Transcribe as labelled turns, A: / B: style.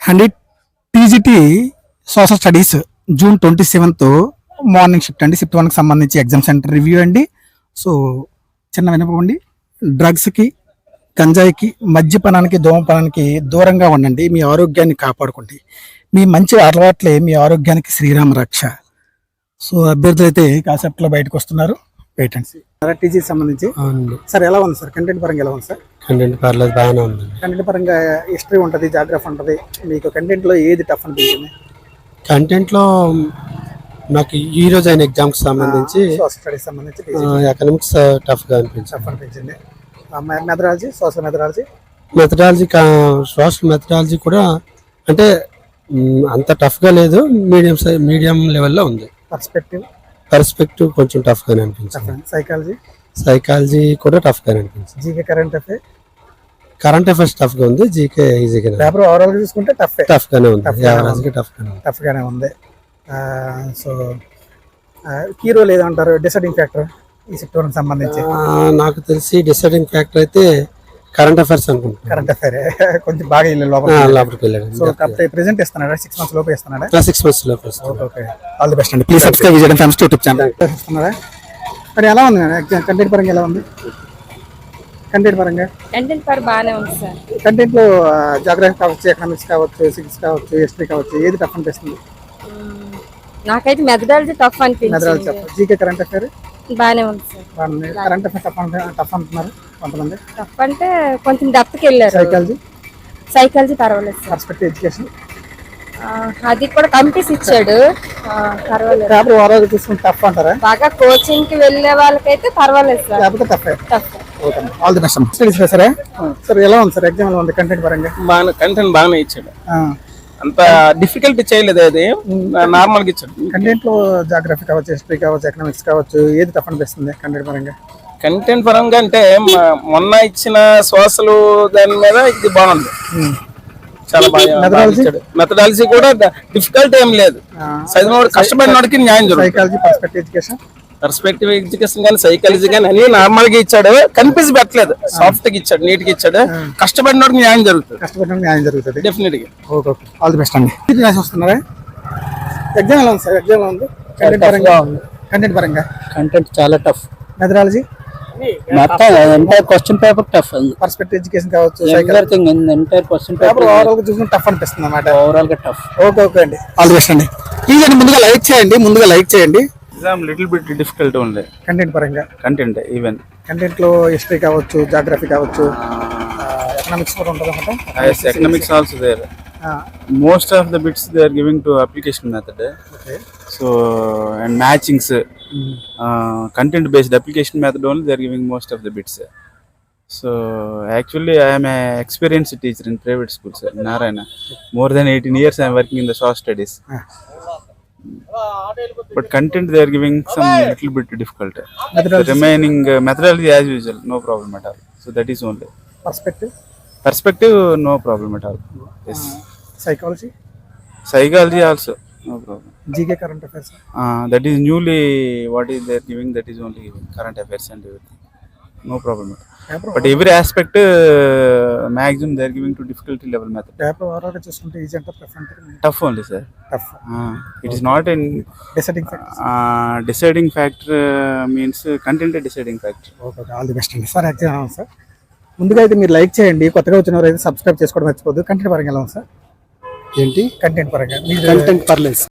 A: అండి TGT social studies June 27th morning shift అండి. Shift 1కి సంబంధించి ఎగ్జామ్ సెంటర్ రివ్యూ అండి. సో చిన్న వినపండి, డ్రగ్స్కి, గంజాయికి, మద్యపానానికి, ధూమపానానికి దూరంగా ఉండండి. మీ ఆరోగ్యాన్ని కాపాడుకోండి. మీ మంచి అలవాట్లే మీ ఆరోగ్యానికి శ్రీరామ రక్ష. సో అభ్యర్థులు అయితే కాన్సెప్ట్లో బయటకు వస్తున్నారు. Wait and see. టీజీకి సంబంధించి సార్ ఎలా ఉంది సార్? కంటెంట్ పరంగా ఎలా ఉంది సార్?
B: కంటెంట్ పర్లేదు, బాగానే ఉంది.
A: కంటెంట్ పరంగా హిస్టరీ ఉంటుంది, జాగ్రఫీ ఉంటుంది. మీకు కంటెంట్లో ఏది టఫ్ అనిపించింది?
B: కంటెంట్లో నాకు ఈ రోజు అయిన ఎగ్జామ్కి సంబంధించి
A: స్టడీస్ సంబంధించి
B: ఎకనామిక్స్ టఫ్గా అనిపించింది.
A: Methodology, social methodology,
B: social methodology కూడా అంటే అంత టఫ్గా లేదు, మీడియం లెవెల్లో ఉంది. పర్స్పెక్టివ్ కొంచెం టఫ్గానే అనిపించింది. సైకాలజీ కూడా టఫ్గానే అనిపించింది.
A: జీకే,
B: కరెంట్ అఫైర్స్ టఫ్గా ఉంది. జీకే ఈజీగా,
A: పేపర్ ఓవరాల్ చూసుకుంటే
B: టఫ్గానే ఉంది.
A: టఫ్గానే ఉంది. సో కీ రోల్ ఏదంటారు? డిసైడింగ్ ఫ్యాక్టర్ ఈ సెక్టర్కి సంబంధించి
B: నాకు తెలిసి డిసైడింగ్ ఫ్యాక్టర్ అయితే కరెంట్ అఫైర్స్ అనుకుంటున్నాను.
A: కరెంట్ అఫైర్ కొంచెం బాగా
B: లోపలికి వెళ్ళాడు.
A: So present ఇస్తున్నాడా? 6 months లోపు ఇస్తున్నాడా?
B: 6 months లోపు.
A: ఓకే, ఆల్ ది బెస్ట్ అండి. ప్లీజ్ సబ్స్క్రైబ్ విజయడం ఫ్యామిలీ యూట్యూబ్ ఛానల్. ఇస్తున్నారా? మరి ఎలా ఉంది కంటెంట్ పరంగా? ఎలా ఉంది కంటెంట్ పరంగా?
C: కంటెంట్ పర్ బాగానే ఉంది సార్.
A: కంటెంట్లో జాగ్రఫీ కావచ్చు, ఎకనామిక్స్ కావచ్చు, సివిక్స్ కావచ్చు, హిస్టరీ కావచ్చు, ఏది టఫ్ అనిపిస్తుంది?
C: నాకైతే మెథడాలజీ టఫ్ అనిపించింది.
A: జీకే, కరెంట్ అఫైర్
C: బాగానే ఉంది సార్.
A: కరెంట్ అఫైర్ టఫ్ అంటున్నారు కొంతమంది.
C: టఫ్ అంటే కొంచెం డెప్త్కి వెళ్ళారు. సైకాలజీ పర్వాలేదు సార్.
A: పర్స్పెక్టివ్ ఎడ్యుకేషన్
C: అది కూడా కంపెనీస్ ఇచ్చాడు, పర్వాలేదు.
A: పేపర్ ఓవరాల్ చూసుకుంటే టఫ్ అంటారా?
C: బాగా కోచింగ్ కి వెళ్ళే వాళ్ళకైతే పర్వాలేదు సార్.
A: లేకపోతే tough. All the best. Studies సరే సార్, ఎలా ఉంది సార్ ఎగ్జామ్? ఎలా ఉంది కంటెంట్ పరంగా?
D: కంటెంట్ బాగానే ఇచ్చాడు, అంత డిఫికల్ట్ చేయలేదు. అది నార్మల్గా ఇచ్చాడు.
A: కంటెంట్ లో జాగ్రఫీ కావచ్చు, హిస్టరీ కావచ్చు, ఎకనామిక్స్ కావచ్చు, ఏది టఫ్ అనిపిస్తుంది కంటెంట్ పరంగా?
D: కంటెంట్ పరంగా అంటే మొన్న ఇచ్చిన సోషల్ దాని మీద ఇది బాగుంది, చాలా బాగా ఇచ్చాడు. మెథడాలజీ కూడా డిఫికల్ట్ ఏం లేదు, చదివినోడు కష్టపడినోడికి న్యాయం జరుగుతుంది.
A: సైకాలజీ,
D: పర్స్పెక్టివ్ ఎడ్యుకేషన్ కానీ సైకాలజీ కానీ అన్ని నార్మల్ గా ఇచ్చాడు, కనిపించి పెట్టలేదు. సాఫ్ట్ గా ఇచ్చాడు, నీట్ గా ఇచ్చాడు. కష్టపడినోడికి న్యాయం జరుగుతుంది డెఫినెట్ గా.
A: ఆల్ ది బెస్ట్ అండి. వస్తున్నారా? ఎగ్జామ్ ఎలా ఉంది సార్? ఎగ్జామ్ ఎలా ఉంది కంటెంట్ పరంగా?
B: కంటెంట్ చాలా tough.
A: Methodology,
B: entire question paper tough.
A: Perspective education కావచ్చు,
B: everything entire question paper
A: overall గా చూసుకుంటే టఫ్ అనిపిస్తుంది అన్నమాట.
B: ఓవరాల్ గా టఫ్.
A: ఓకే అండి, ఆల్ ది బెస్ట్ అండి. ప్లీజ్ అండి ముందుగా లైక్ చేయండి.
D: ఎగ్జామ్ లిటిల్ బిట్ డిఫికల్ట్ ఉంది
A: కంటెంట్ పరంగా.
D: కంటెంట్ ఈవెన్
A: కంటెంట్ లో హిస్టరీ కావచ్చు, జాగ్రఫీ కావచ్చు, ఎకనామిక్స్ కూడా ఉంటుంది అన్నమాట.
D: Economics also there. Most of the bits they are giving to application method. So and matchings, content based application method only they are giving most of the bits. So actually I am a experienced teacher in private schools in Narayana. More than 18 years I am working in the social studies. But content they are giving some little bit difficult. The remaining methodology as usual, no problem at all. So that is only. Perspective no problem at all. Yes. Psychology also no problem.
A: GK, current affairs.
D: That is newly what is they are giving, that is only giving current affairs and everything. No problem. But every aspect maximum they are giving to difficulty level method.
A: Paper oral chustunte easy anta
D: tough only sir.
A: Tough.
D: It is not in
A: deciding factor.
D: Deciding factor means content deciding factor.
A: Okay, all the best. Sir, actually sir, ముందుగా అయితే మీరు like చేయండి. కొత్తగా వచ్చిన వారు అయితే subscribe చేసుకోవడం మర్చిపోద్దు. కంటెంట్ పరంగా ఎలా ఉంది సార్?
B: ఏంటి
A: కంటెంట్ పరంగా?
B: కంటెంట్ పర్లేదు.